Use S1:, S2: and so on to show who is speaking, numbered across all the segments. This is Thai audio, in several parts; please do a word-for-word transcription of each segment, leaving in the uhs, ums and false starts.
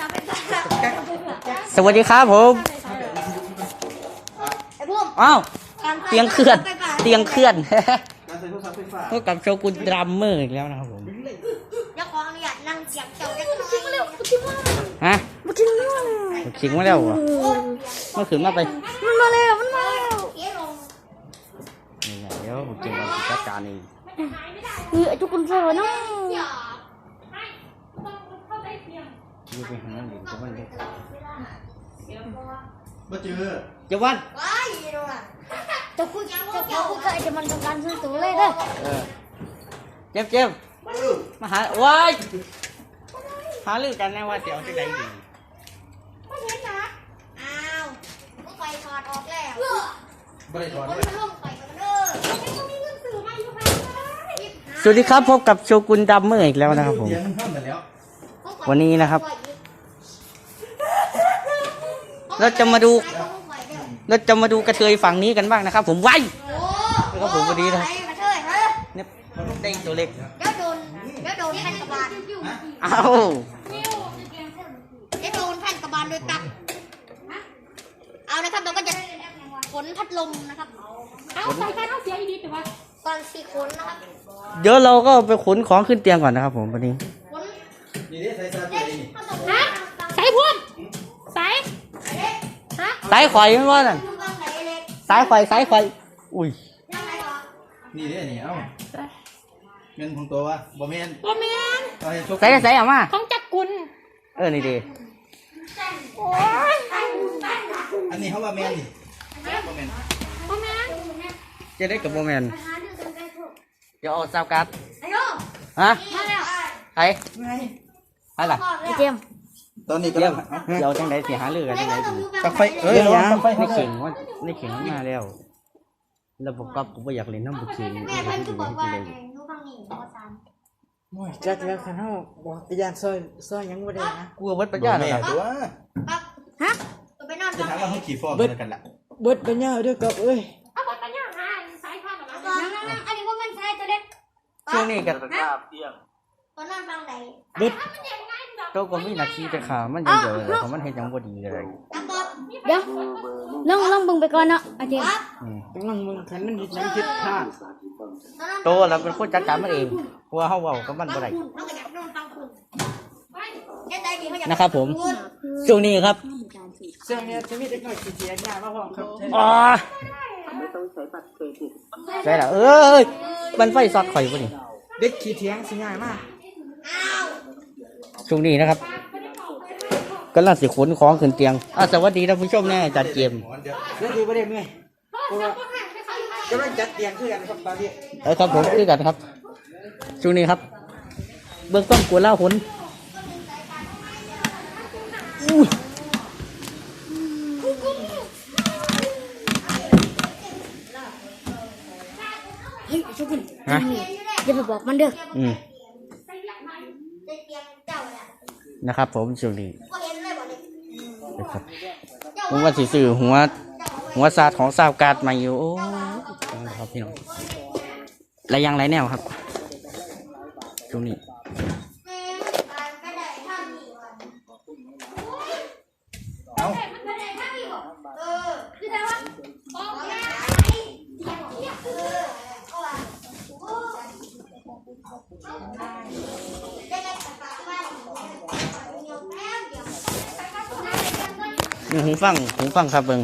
S1: สวัสดีครับผมอ้าวเตียงเคลื่อนเตียงเคลื่อนพบกับโชกุนดรัมเมอร์อีกแล้วนะครับผม
S2: จะขออนุญาตนั่งเสียงเจ้าเล็กน้อย
S1: ฮะบุกินมาแล้วขิงมาแล้วเหรอเมื่อคืนมาไป
S2: มันมาแล้วมันมาแล้ว
S1: นี่ไงเดี๋ยวบุกินมาจัดการเอง
S2: เฮ้ยทุกคนเสือเนาะ
S1: ยืไปหาหลิงจะวันเล็ก
S3: มาเจอ
S1: จะวัน
S2: ว้ายดูอ่ะจะคุยจะคุยกับไอ้เจมันต้องการซื้อตัวเลยเด้อ
S1: เจ็บเจ็บมาหาว้ายหาเรื่องกันแน่ว่าเดี๋ยวจะได้ดี
S2: ไม่เห็นนะอ้าวก็ไปถอดออกแล้ว
S3: ไม่ได้ถอด
S2: เลยลงไปกันเด้อไม่มีเงินซื้อมาอยู่ค่ะ
S1: สวัสดีครับพบกับโชกุนดรัมเมอร์อีกแล้วนะครับผมวันนี้นะครับเราจะมาดูเราจะมาดูกระเทยฝั่งนี้กันบ้างนะครับผมไว้แล้วผมวันนี้นะเนี่ยได้ตัวเล็ก
S2: เดี๋ยวโดนเดี๋ยวโดนแผ่นกระบาล
S1: เอา
S2: เดี๋ยวโดนแผ่นกระบาลโดยตับเอานะครับเราก็จะขนพัดลมนะครับเอาใส่กันเอาเสียดีแต่ว่าตอนสี่ขนนะครับ
S1: เดี๋ยวเราก็ไปขนของขึ้นเตียงก่อนนะครับผมวันนี้
S2: ฮะใส่พุ่มใส่
S1: สายไข่ไม่ว่าน่ะสายไข่สายไข่อุ้ย
S3: นี่เด้นี่เอ้าเงินของตัววะบ่แม่น
S2: บ่แม่น
S1: ใส่ใส่เอามา
S2: ของจักกุล
S1: เออนี่ดี
S2: โอ้ย
S3: อันนี้เขาว่าแม่นนี่บ่แม่น
S2: บ่แม่น
S1: จะได้กับบ่แม่นเดี๋ยวเอาซาวการ์ดฮะใครใครล่ะ
S2: เจม
S3: ตอนนี้ก็
S1: เดี๋ยวเดี๋ยวจังไดสิหาเรื่องกันจังไดดี
S3: ตักไฟเอ้ยตักไฟ
S1: ในเข่งว่าในเข่งมาแล้วแล้วผมก็ผมอยากเล่นน้ำบุกเข่งนี่ให้ดูให้ดูเลย
S4: โอ้ยจักแล้วคันเฮาบ่ไปย่านซอยซอยยังบ่ได้นะ
S1: กลัวเบิดปัญญาแล้วครับ
S3: ตัว
S2: ฮะไปนอน
S3: จะถามว่าเขาขี่ฟอร์มกันล่ะ
S4: เบิดปัญญาเด้อกับเอ้ย
S2: เอาเบิดปัญญาหาสายข้ามแบบนั้นอันนี้บ่แม่นสายตัวเล็ก
S1: ช่วงนี้กันภาพเที่ยง
S2: ตอนนั้นฟังไหน
S1: เบิดโตก็มีนาทีแต่ขามันยังเยอะเพราะมันเฮ็ดยังบ่ดีเลย
S2: เดี๋ยวลองลองเบิ่งไปก่อนเนาะอาจารย์
S4: ต้องลองมึงคันมันเฮ็ดหยังผิดพลาด
S1: โตแล้วเป็นคนจัดการมันเองเพราะว่าเฮาเว้ากับมันบ่ได้นะครับผมช่วงนี้ครับ
S4: เรื่องนี้จะมีเด็กน้อยสิเสียหน้ามาพร้อมครับ
S1: อ๋อใช่ล่ะเอ้ยมันไฟช็อตข่อยบ่นี่
S4: เด็กขี้เถียงสิง่ายมาก
S1: ช่วงนี้นะครับกำลังสิขนของขึ้นเตียงอ่ะสวัสดีท่านผู้ชมแน่จัดเกม
S4: เรื่องดีบ่ได้เมื่อยเพราะว่ากำลังจัดเตียงคือกันครับตอนนี้
S1: เออครับผมคือกันครับช่วงนี้ครับเบื้องต้นกลัวเล่าขน
S2: เฮ้ยชุกุนฮะอย่าไปบอกมันเด้อ
S1: อืมนะครับผมช่วงนี้นะครับผมว่าสิซื้อหัวหัวซาดของซาวการ์ดมาอยู่โอ้ครับพี่น้องและยังไรแนวครับช่วงนี้นี่หูฟังหูฟังครับเบิ้ง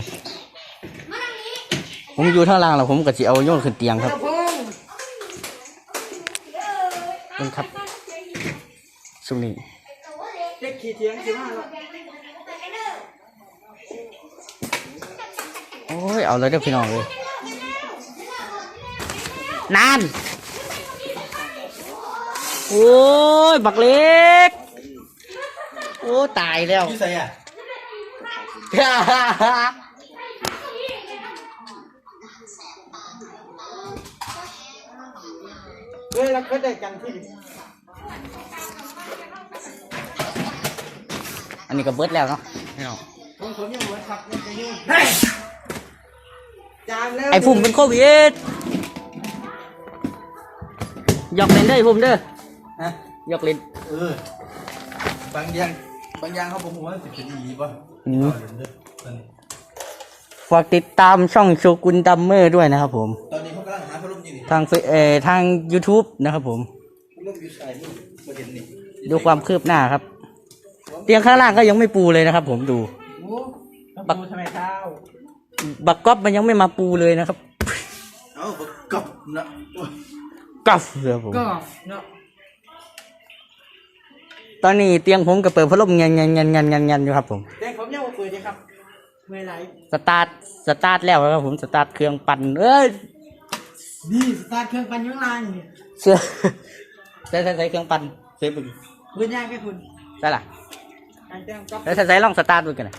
S1: ผมอยู่ท่าล่างแล้วผมก็จะเอาโยนขึ้นเตียงครับเบิ้งครับช่วงนี้
S4: เด็กขี้เถียงสิมาแล้ว
S1: โอ้ยเอาเลยเด้อพี่น้องเลยนานโอ้ยบักเล็กโอ้ตายแล้ว
S3: พี่ใส่อะ
S4: เฮ้ยเราก็ได้กันที่
S1: อันนี้ก็เบิดแล้วเนาะ
S4: ผมผมยังเบิดครับยังจะยืนจานแล้ว
S1: ไอ้ฝุ่มเป็นโควิดหยอกเล่นเด้อไอ้ฝุ่มเด้อฮะหยอกเล่น
S3: เออบางอย่างบางอย่างเขาบอกว่าสิเป็นดีป่ะ
S1: อืม
S3: เดี๋ยวเด้อตอนนี้
S1: ฝากติดตามช่องโชกุนดัมเมอร์ด้วยนะครับผม
S3: ตอนนี้เขากำลังหาพัดลมอยู่นี่
S1: ทางเฟซเอ่อทาง YouTube นะครับผม
S3: พัดลมอยู่ใส่นี่ประเด็นนี่
S1: ดูความคืบหน้าครับ เตียงข้างล่างก็ยังไม่ปูเลยนะครับผมดู
S4: โอ้ต้องปูทำไมเท้า
S1: บักก๊อปมันยังไม่มาปูเลยนะครับ
S3: เอ้าบักกับนะ
S1: ก๊อปเลยผม
S4: ก็เนาะ
S1: ตอนนี้เตียงผมก็เปิดพัดลมเงียนเงียนเงียนเงียนเงียนเงียนอยู่ครับผม
S4: แต่ผมยังไม่เปิดเลยครับเมื่อไหร
S1: สตาร์ทสตาร์ทแล้วครับผมสตาร์ทเครื่องปั่นเอ้ย
S4: นี่สตาร์ทเครื่องปั่นอยังไงเนี่ย
S1: เสื้อใส่ใส่ใส่เครื่องปั่นเสียบึง
S4: คุณย่างแค่คุณ
S1: ใช่ล่ะ
S4: อันเต็มก็
S1: แล้วใส่ใส่ลองสตาร์ทดูกันนะ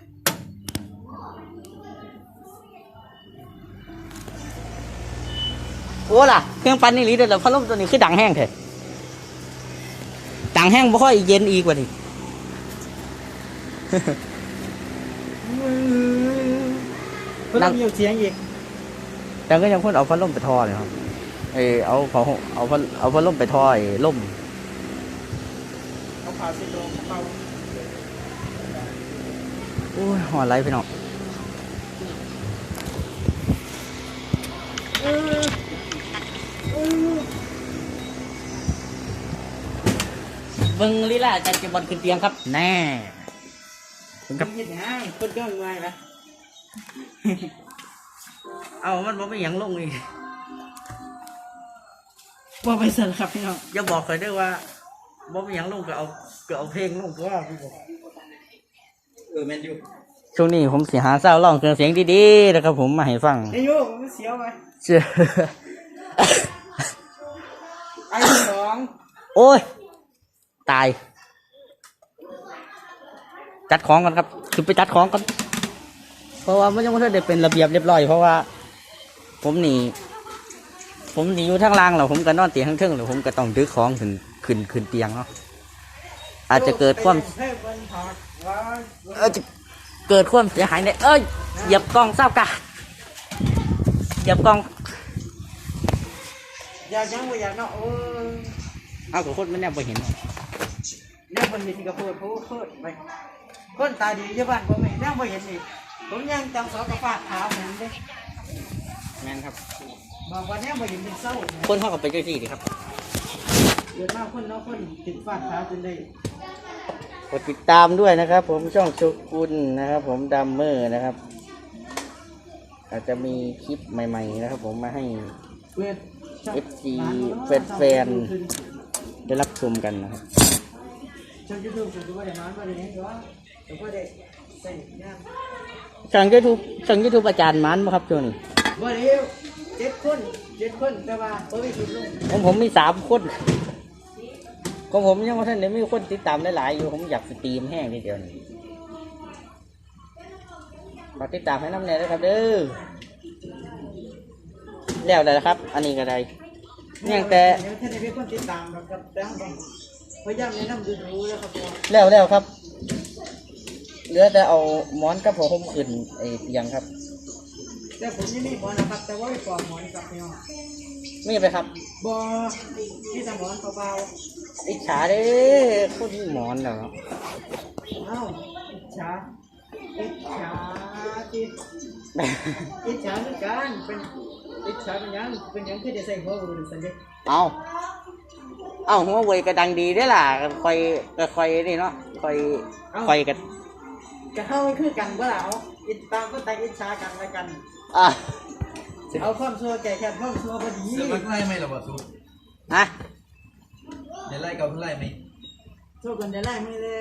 S1: โอ้ล่ะเครื่องปั่นนี่หลีเดี๋ยวพัดลมตัวนี้คือดังแห้งเถอะดังแห้งบ่ค่อยเย็นอีกว่านี่
S4: เพิ่มอยู่เสียงอีก
S1: แต่ก็ยังพ่นเอาพัดลมไปทอเลยครับเออเอาเอาเอาพัดเอาพัดลมไปทอไอ้ล่ม
S4: เขาผ่าสิโลเขาเป่า
S1: โอ้ยหัวไหลพี่น้องเบิ้งลีลาจันจะบอลขึ้นเตียงครับ แน่ถึง
S4: ค
S1: กั
S4: รับบ ยังไงคนก็ง่ายนะ
S1: เอามันบอกไม่ยังลงอีก
S4: ว่าไปสั่นครับพี่น้อง
S1: อย่าบอกเคยได้ว่าบอกไม่ยังลงก็เอาก็เอาเพลงลงก็ว่าพี่บอก
S3: เออแมนยู
S1: ช่วงนี้ผมเสียหาเศร้าร้องเครื่องเสียงดีๆนะครับผมมาให้ฟัง
S4: ไอ้โย่มันเสียวไป
S1: เชื่อ
S4: ไอ้สอง
S1: โอ้ย ตาย จัดของกันครับคือไปจัดของกันเพราะว่ามันยังไม่ได้เป็นระเบียบเรียบร้อยเพราะว่า ผมหนีผมหนีอยู่ทางล่างแล้วผมก็นอนเตียงข้างเทิงแล้วผมก็ต้องดึกของขึ้นขึ้นขึ้นเตียงเนาะอาจจะเกิดความ
S4: เฮ้ยบนหอดว่า
S1: เออจะเกิดความเสียหายเนี่ยเอ้ยเหยียบกล้องเศร้ากะเหยียบกล้อง
S4: อยากยังไม่อยากเนาะโอ้ย
S1: เอากับคนไม่แน่ไปเห็น
S4: เนี่ยคนเห็นก็พูดพูดพูดไปคนตาดีเยอะบ้านผมเองยังไม่เห็นอีกผมยังจังสอกระฟาดเท้าเหมือนเด้
S1: แม่นครับ
S4: บอกว่าเนี่ยไม่เห็นเป็นเศร้า
S1: คนเข้ากับไปเจ้าที่ดีครับ
S4: เกิดมาคนเนาะคนติดฟาดเท้าจนได้
S1: กดติดตามด้วยนะครับ ผมช่องโชกุนนะครับ ผมดัมเมอร์นะครับ อาจจะมีคลิปใหม่ๆนะครับ ผมมาให้
S4: เวท
S1: เอฟ ซี แฟนๆได้รับชมกันนะครับ
S4: ช่องยูทูบผมดูว่าได้นอนว่าได้ยังก็แต่ว่าได้ใส่ย่าง
S1: ช่องยูทูบช่องยูทูบอาจารย์มันบ่ครับช่วงนี้
S4: ว่าเดียวเจ็ดคนเจ็ดคนแต่ว่าเฮ้ยสุดลง
S1: ของผมมีสามคนของผมยังว่าท่านเดี๋ยวมีคนติดตามหลายๆอยู่ผมอยากสตรีมแห้งทีเดียวนี่ฝากติดตามให้น้ำแน่ด้วยครับเด้อแล้วได้แล้วครับ อันนี้ก็ได้ยังแต่
S4: เดี๋ยวท่านได้เป็นคนติดตามเรากับแต่ห้องต้องพยายามแนะนำดูดูแล้วครับผม
S1: แล้วแล้วครับเหลือแต่เอาหมอนกับผมขึ้นไอ้เตียงครับ
S4: แต่ผมยังมีหมอนนะครับแต่ว่าไม่ปลอมหมอนกับพี่น้อง
S1: มีไปครับ
S4: บอที่ทำหมอนเบา
S1: อิจฉาเด้คนหมอนแล้ว
S4: ๆเอ้าอิจฉาอิจฉาจิตอิจฉาเหมือนกันเป็นอิจฉาเป็นยังเป็นยังคือจะใส่หัวอื่นสันเด็
S1: เอาเอาหัวเว่ยก็ดังดีได้อล่ะก็คอยก็คอยนี่เนาะคอยคอยกัน
S4: จะเข้าคือกันก็แล้วอิจตามก็แต่อิจฉากันแล้วกัน
S1: อ่ะ
S4: เอาความชั่วแก่แค่ความชั่วพอดี
S3: เสือมันไล่ไหมล่ะบอสซู
S1: ฮะ
S3: เดี๋ยวไล่เกาเพื่อไล่ไหม
S4: ชั่วกันได้ไล่ไม่แล้ว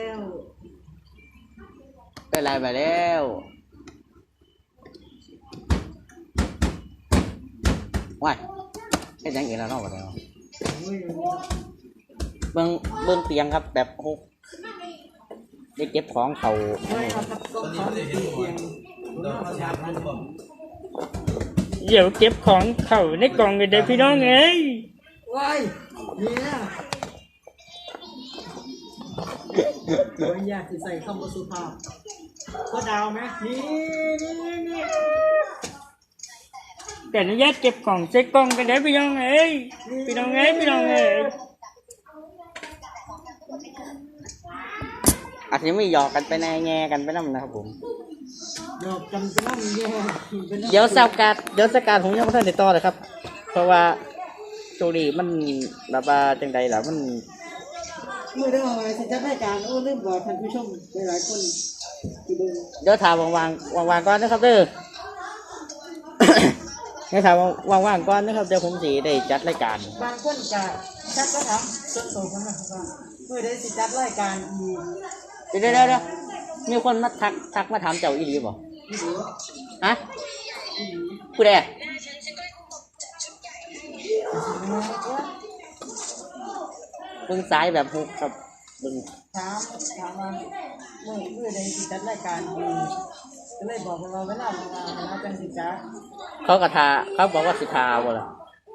S1: ได้ไรไปแล้วว้ายแค่ยังอีกแล้วเนาะวะเดี๋ยวเบิ้งเบิ้งเตียงครับแบบหกได้เก็บของเขา
S4: ไม่เอาครับ
S3: ตอนนี้ไม่ได้เห็นหัวเราเขาถามมันบอก
S1: เดี๋ยวเก็บของเขาในกล่องกันเด้พี่น้องเอ้ย
S4: ว้ายเนี่ยโอ้ยอยากจะใส่คำว่าสุภาพก็ดาวไหมนี่นี่นี่
S1: แต่อนุญาตเก็บของใส่กล่องกันเด้พี่น้องเอ้ยพี่น้องเอ้ยพี่น้องเอ้ยอาจจะไม่หยอกกันไปแน่แง่กันไปนั่นนะครับผม
S4: หยอกกันไปนั่งแย่ไปนั่ง
S1: เดี๋ยวสาวการดเดี๋ยวสาวการดผมยังไม่ทันได้ต่อเลยครับ เพราะว่าโชคดีมันแบบว่าจังใดล่ะมัน
S4: เมื่อได้มาสิจัดรายการโอ้ลืมบอกท่านผู้ชมหลายๆคนที่เบิ่ง
S1: เดี๋ยวถามวางๆวางๆก่อนนะครับเด้อ เดี๋ยวถามว่างๆก่อนนะครับเดี๋ยวผมสีได้จัดรายการ
S4: บางคนก็ชักก็ถามส่วนตัวผมนะครับว่าเมื่อได้สิจัดรายการอีก
S1: เดี๋ยวเดี๋ยวเดี๋ยวมีคนมาทักทักมาถามเจ้าอีหลีบ่
S4: ที่เหลือ
S1: ฮะผู้ใดเบิ่งซ้ายแบบฮุกครับเบิ่ง
S4: ถามถามว่าเมื่อเมื่อได้สิจัดรายการอีกก็เลยบอกว่าเวลาเวลาเวลาจังสิจัด
S1: เขากระทาเขาบอกว่าสิทาบ่ล่ะ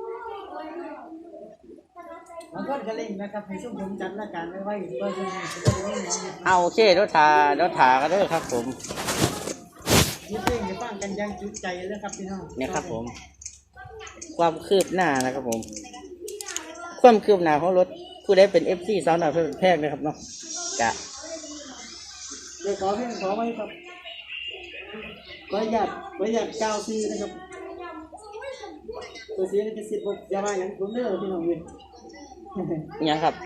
S4: บางคนก็เล่นนะครับให้ช่วงผมจัดรายการไว้ไว้เพื่อจะให้สิได้ไม่น้อง
S1: เอาโอเคเดี๋ยวทาเดี๋ยวทากันเด้อครับผม
S4: นี่เพลงจะฟังกันอยังจุใจเลยครับพี่น้อง
S1: เนี่ยครับผม ความคืบหน้านะครับผม ความคืบหน้าของรถผู้ใดเป็น เอฟ ซี สาวหน่อยเพื่อนแพงนะครับเนาะกะ
S4: เดี๋ยวขอเพลงขอไว้ครับขออนุญาตขออนุญาตกล่าวซื้อนะครับตัวเสียงจะสิบอย่าว่าอย่างผมเด้อพี่น้องเว้ย
S1: อิหยังครับ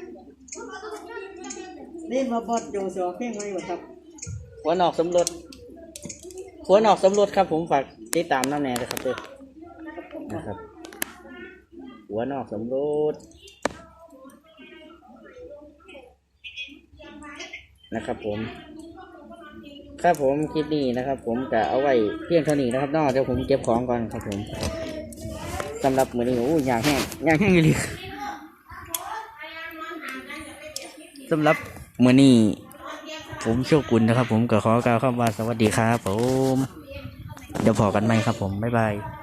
S4: นี่มาบอดโยเสียวเพลงไว้บ่ครับ
S1: หัวนอกสำรวจหัวนอกสำรวจครับผมฝากติดตามน้ำแน่เลยครับเด้อนะครับ หัวนอกสำรวจนะครับผม ครับผมคลิปนี้นะครับ ผมจะเอาไว้เพียงเท่านี้นะครับนอกเดี๋ยวผมเก็บของก่อนครับผมสำหรับมื้อนี้โอ้ยอยากแห้งอยากแห้งเลยสำหรับมื้อนี้ผมโชกุลนะครับ ผมก็ขอกล่าวคำว่าสวัสดีครับผมเดี๋ยวพอกันไหมครับผมบ๊ายบาย